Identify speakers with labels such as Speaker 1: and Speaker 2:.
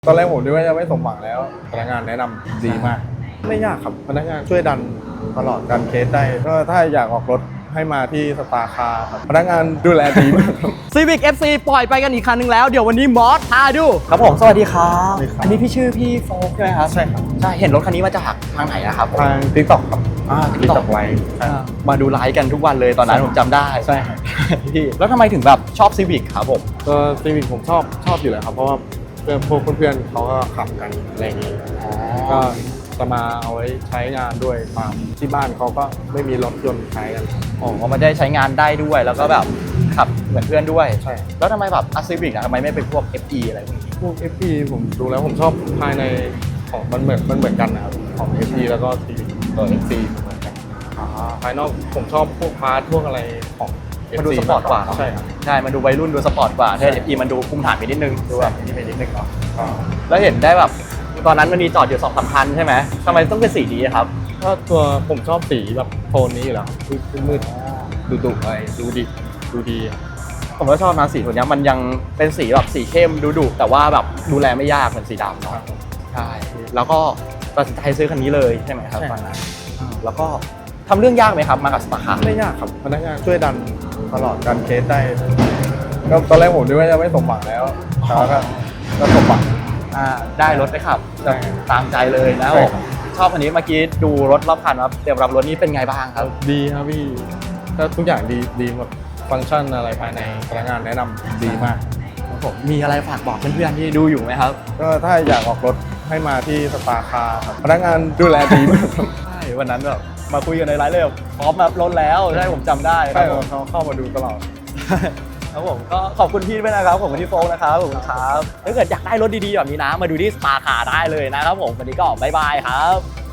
Speaker 1: ตอนแรกผมนึกว่าจะไม่สมหวังแล้วพนักงานแนะนำดีมาก ไม่ยากครับพนักงานช่วยดันตลอดดันเคสได้ก็ถ้าอยากออกรถให้มาที่สตาร์คาร์ครับพนักงานดูแลดีมากครับ
Speaker 2: Civic FC ปล่อยไปกันอีกคันนึงแล้วเดี๋ยววันนี้มอสพาดูครับผมสวัสดีครับ
Speaker 1: สวัสดีครับ
Speaker 2: อันนี้พี่ชื่อพี่โฟกใช่ไหมครับ
Speaker 1: ใช่ครับ
Speaker 2: ใช่เห็นรถคันนี้มาจากทางไหนนะครับ
Speaker 1: ทางติ๊กต็อกครับ
Speaker 2: TikTok
Speaker 1: ติ๊กต็อกไลฟ์
Speaker 2: มาดูไลฟ์กันทุกวันเลยตอนนั้นผมจำได้
Speaker 1: ใช่ครับ
Speaker 2: พี่แล้วทำไมถึงแบบชอบ Civic ครับผม
Speaker 1: ก็ซีวิคผมชอบอยู่แล้วครับเพราะว่าพวกเพื่อนๆเขาก็ขับกันอะไรอย่างนี้ก็จะมาเอาไว้ใช้งานด้วยตามที่บ้านเขาก็ไม่มีรถยนต์ใช้กัน
Speaker 2: อ๋อมันได้ใช้งานได้ด้วยแล้วก็แบบขับเหมือนเพื่อนด้วย
Speaker 1: ใช่
Speaker 2: แล้วทำไมแบบCivicทำไมไม่เป็นพวก FE อะไรพวกนี้
Speaker 1: พวก FP ผมดูแล้วผมชอบภายในของมันเหมือนกันนะครับของ FP แล้วก็ Civic ตัว FC เหมือนกันภายนอกผมชอบพวกพาร์ทพวกอะไรของ
Speaker 2: มันดูสปอร์ตกว่าเนอะ
Speaker 1: ใช่ครับ
Speaker 2: ใช่มันดูวัยรุ่นดูสปอร์ตกว่าถ้า
Speaker 1: ใช่
Speaker 2: FE มันดูภูมิฐานไปนิดนึงดูแบบนี่ไปนิดนึงเนาะ
Speaker 1: ก็
Speaker 2: แล้วเห็นได้แบบตอนนั้นมันมีจอดอยู่2-3คันใช่ไหมทำไมต้องเป็นสีนี้ครับ
Speaker 1: ก็ตัวผมชอบสีแบบโทนนี้อยู่แล้วครับมืดดุอะไรดูดีอะ
Speaker 2: ผมก็ชอบนะสีตัวเนี้ยมันยังเป็นสีแบบสีเข้มดุแต่ว่าแบบดูแลไม่ยากเหมือนสีดำเนาะใช่แล้วก็ตัดสินใจซื้อคันนี้เลยใช่ไหมครับตอนนั้นแล้วก็ทำเรื่องยากไหมครับมากับสปาคาร์
Speaker 1: ไม่ยากครับพนักงานช่วยดันตลอดดันเคสได้ก็ตอนแรกผมนึกว่าจะไม่สมหวังแล้วแต่ว่าก็สมหวัง
Speaker 2: ได้รถไปขับ
Speaker 1: ใช่
Speaker 2: ตามใจเลยนะ
Speaker 1: ใช่
Speaker 2: ผม
Speaker 1: ครับ
Speaker 2: ชอบคันนี้เมื่อกี้ดูรถรอบคันว่าเตรียมรับรถนี้เป็นไงบ้างครับ
Speaker 1: ดีครับพี่ก็ทุกอย่างดีหมดฟังก์ชันอะไรภายในพนักงานแนะนำดีมาก
Speaker 2: ผมมีอะไรฝากบอกเพื่อนๆที่ดูอยู่ไหมครับ
Speaker 1: ก็ถ้าอยากออกรถให้มาที่สตาร์คาร์ครับพนักงานดูแลดีมากครับ
Speaker 2: ใช่วันนั้นแบบมาคุยกันในไลฟ์เลยแบบพร้อมรับรถแล้วใช่ผมจำได้ค
Speaker 1: ใช่
Speaker 2: รับผม
Speaker 1: เขาเข้ามาดูตลอด
Speaker 2: ครับผมก็ขอบคุณพี่ด้วยนะครับขอบคุณพี่โฟกนะครับขอบคุณครับถ้าเกิดอยากได้รถดีๆแบบนี้นะมาดูที่สปาคาร์ได้เลยนะครับผมวันนี้ก็บ๊ายบายครับ